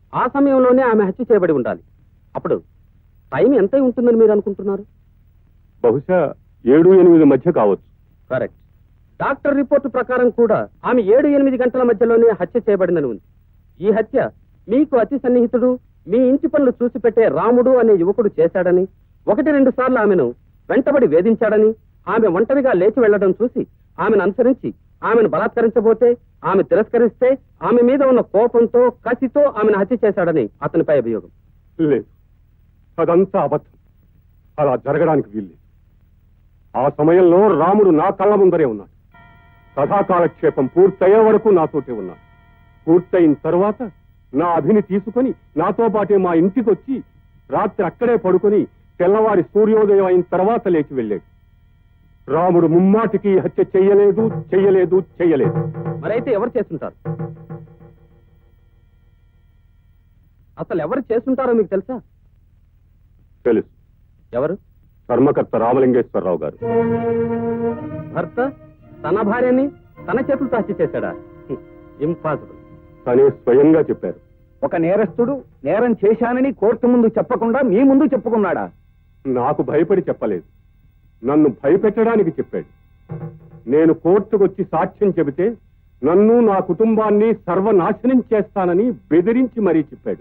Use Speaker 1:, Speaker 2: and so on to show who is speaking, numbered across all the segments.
Speaker 1: ఆ సమయంలోనే ఆమె హత్య చేయబడి ఉండాలి. అప్పుడు టైం ఎంత ఉంటుందని మీరు అనుకుంటున్నారు?
Speaker 2: బహుశా 7-8 మధ్య కావచ్చు.
Speaker 1: కరెక్ట్. డాక్టర్ రిపోర్టు ప్రకారం కూడా ఆమె 7-8 గంటల మధ్యలోనే హత్య చేయబడిందని ఉంది. ఈ హత్య మీకు అతి సన్నిహితుడు, మీ ఇంటి పనులు చూసి పెట్టే రాముడు అనే యువకుడు చేశాడని, 1-2 సార్లు ఆమెను వెంటబడి వేధించాడని, ఆమె ఒంటరిగా లేచి వెళ్లడం చూసి ఆమెను అనుసరించి ఆమెను బలాత్కరించబోతే ఆమె తిరస్కరిస్తే ఆమె మీద ఉన్న కోపంతో కసితో ఆమెను హత్య చేశాడని అతనిపై అభియోగం.
Speaker 2: లేదు, అదంతా అబద్ధం. అలా జరగడానికి వీల్లేదు. ఆ సమయంలో రాముడు నా కళ్ళ ముందరే ఉన్నాడు. కథాకాలక్షేపం పూర్తయ్యే వరకు నాతోటే ఉన్నాడు. పూర్తయిన తర్వాత నా అభిని తీసుకుని నాతో పాటే మా ఇంటికి వచ్చి రాత్రి అక్కడే పడుకొని తెల్లవారి సూర్యోదయం అయిన తర్వాత లేచి వెళ్ళాడు. రాముడు ముమ్మాటికి హత్య చెయ్యలేదు చెయ్యలేదు చెయ్యలేదు.
Speaker 1: మరైతే ఎవరు చేస్తుంటారు? అసలు ఎవరు చేస్తుంటారో మీకు తెలుసా?
Speaker 2: తెలుసు.
Speaker 1: ఎవరు?
Speaker 2: ధర్మకర్త రామలింగేశ్వరరావు గారు.
Speaker 1: భర్త తన భార్యని తన చేతులతో హత్య చేశాడా? ఇంపాసిబుల్.
Speaker 2: తనే స్వయంగా చెప్పారు.
Speaker 3: ఒక నేరస్తుడు నేరం చేశానని కోర్టు ముందు చెప్పకుండా మీ ముందు చెప్పుకున్నాడా?
Speaker 2: నాకు భయపడి చెప్పలేదు, నన్ను భయపెట్టడానికి చెప్పాడు. నేను కోర్టుకొచ్చి సాక్ష్యం చెబితే నన్ను నా కుటుంబాన్ని సర్వనాశనం చేస్తానని బెదిరించి మరీ చెప్పాడు.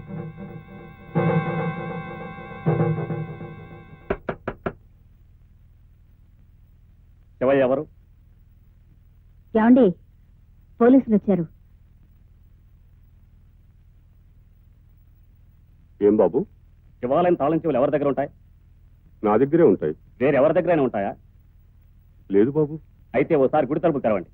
Speaker 3: ఎవరు?
Speaker 4: ఏమండి, పోలీసులు వచ్చారు.
Speaker 2: ఏం బాబు?
Speaker 3: శివాలయం తాళం చెవులు ఎవరి దగ్గర ఉంటాయి?
Speaker 2: నా దగ్గరే ఉంటాయి.
Speaker 3: వేరెవరి దగ్గరైనా ఉంటాయా?
Speaker 2: లేదు బాబు.
Speaker 3: అయితే ఓసారి గుడి తలుపు తెరవండి.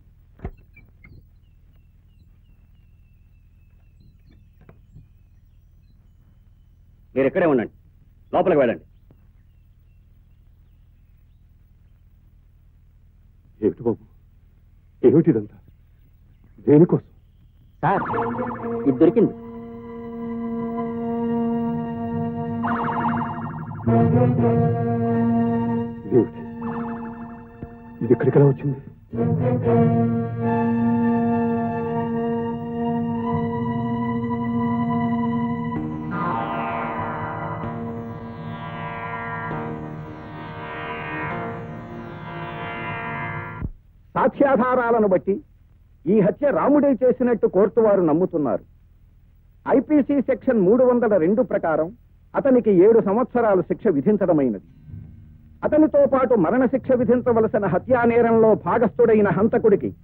Speaker 3: మీరు ఇక్కడే ఉండండి, లోపలికి వెళ్ళండి.
Speaker 2: ఏమిటి బాబు, ఏమిటిదంతా? దేనికోసం?
Speaker 1: సార్, ఇది దొరికింది.
Speaker 2: ఇదేమిటి? ఇది ఎక్కడికలా వచ్చింది?
Speaker 3: సాక్ష్యాధారాలను బట్టి ఈ హత్య రాముడే చేసినట్టు కోర్టు వారు నమ్ముతున్నారు. ఐపీసీ సెక్షన్ 302 ప్రకారం అతనికి 7 సంవత్సరాలు శిక్ష విధించడమైనది. అతనితో పాటు మరణశిక్ష విధించవలసిన హత్యా నేరంలో భాగస్థుడైన హంతకుడికి